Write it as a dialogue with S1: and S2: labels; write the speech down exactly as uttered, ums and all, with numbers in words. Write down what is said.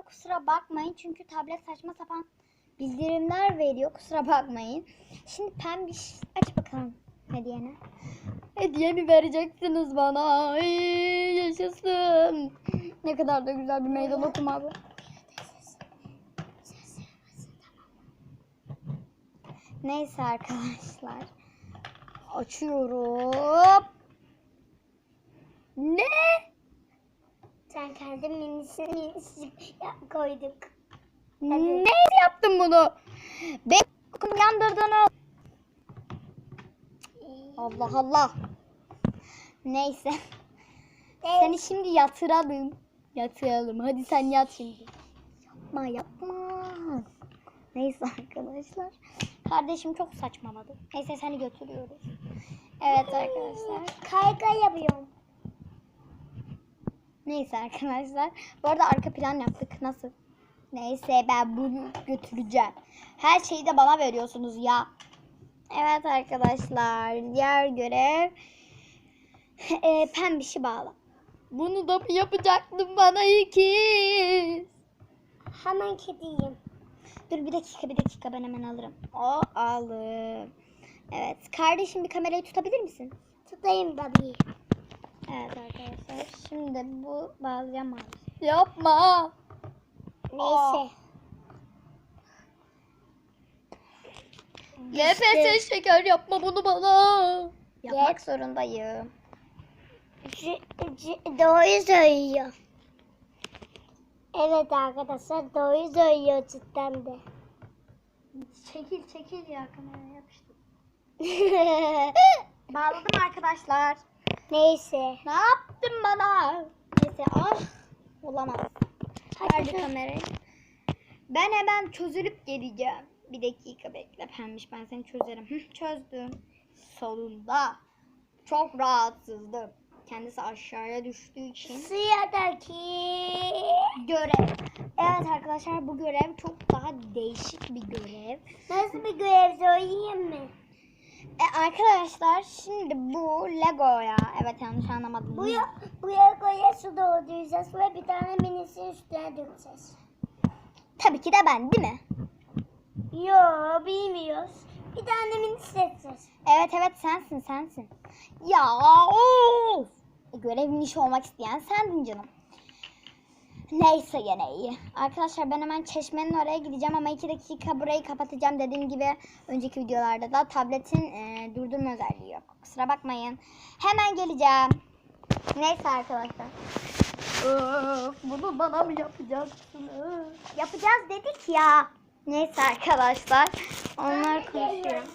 S1: kusura bakmayın. Çünkü tablet saçma sapan bildirimler veriyor. Kusura bakmayın. Şimdi pembiş aç bakalım hediyeni. Hediyemi vereceksiniz bana. Ay, yaşasın. Ne kadar da güzel bir meydan okuma bu. Neyse arkadaşlar. Açıyorum. Ne?
S2: Sen kendi minisini minisini koyduk.
S1: Ne yaptın bunu? Ben yandırdın. Allah Allah. Neyse. Seni şimdi yatıralım. Yatıralım. Hadi sen yat şimdi. Yapma yapma. Neyse arkadaşlar. Kardeşim çok saçmaladı. Neyse seni götürüyoruz. Evet arkadaşlar.
S2: Kaykay yapıyorum.
S1: Neyse arkadaşlar. Bu arada arka plan yaptık. Nasıl? Neyse ben bunu götüreceğim. Her şeyi de bana veriyorsunuz ya. Evet arkadaşlar. Diğer görev. E, pembişi bağla. Bunu da mı yapacaktın bana ikiz?
S2: Hemen kediyim.
S1: Dur bir dakika bir dakika ben hemen alırım. O alım. Evet. Kardeşim bir kamerayı tutabilir misin?
S2: Tutayım tabii.
S1: Evet arkadaşlar. Şimdi bu bağlayacağım abi. Yapma.
S2: Neyse.
S1: N F S şeker yapma bunu bana. Yapmak zorundayım.
S2: C- c- doğru söylüyor. Evet arkadaşlar doğru söylüyor cidden de.
S1: Çekil çekil ya kameraya yapıştır. Bağladım arkadaşlar.
S2: Neyse.
S1: Ne yaptın bana? Neyse ah. Olamaz. Verdi kamerayı. Ben hemen çözülüp geleceğim. Bir dakika bekle pembiş ben seni çözerim. Hı, çözdüm. Sonunda. Çok rahatsızdım. Kendisi aşağıya düştüğü için.
S2: Sıradaki
S1: Görev. Evet arkadaşlar bu görev çok daha değişik bir görev.
S2: nasıl bir görev söyleyeyim mi?
S1: E, arkadaşlar şimdi bu Lego'ya. Evet yanlış anlamadım.
S2: Buraya, buraya koya su dolduracağız ve bir tane minisini üstüne dökeceğiz.
S1: Tabii ki de ben değil mi?
S2: Yo bilmiyoruz. Bir tane mini seçeceğiz.
S1: Evet evet sensin sensin. Ya of. E, görevin işi olmak isteyen sendin canım. Neyse gene iyi. Arkadaşlar ben hemen çeşmenin oraya gideceğim ama iki dakika burayı kapatacağım. Dediğim gibi önceki videolarda da tabletin e, durdurma özelliği yok. Kusura bakmayın. Hemen geleceğim. Neyse arkadaşlar. Öf, bunu bana mı yapacaksınız? Yapacağız dedik ya. Neyse arkadaşlar. Onlar konuşuyor.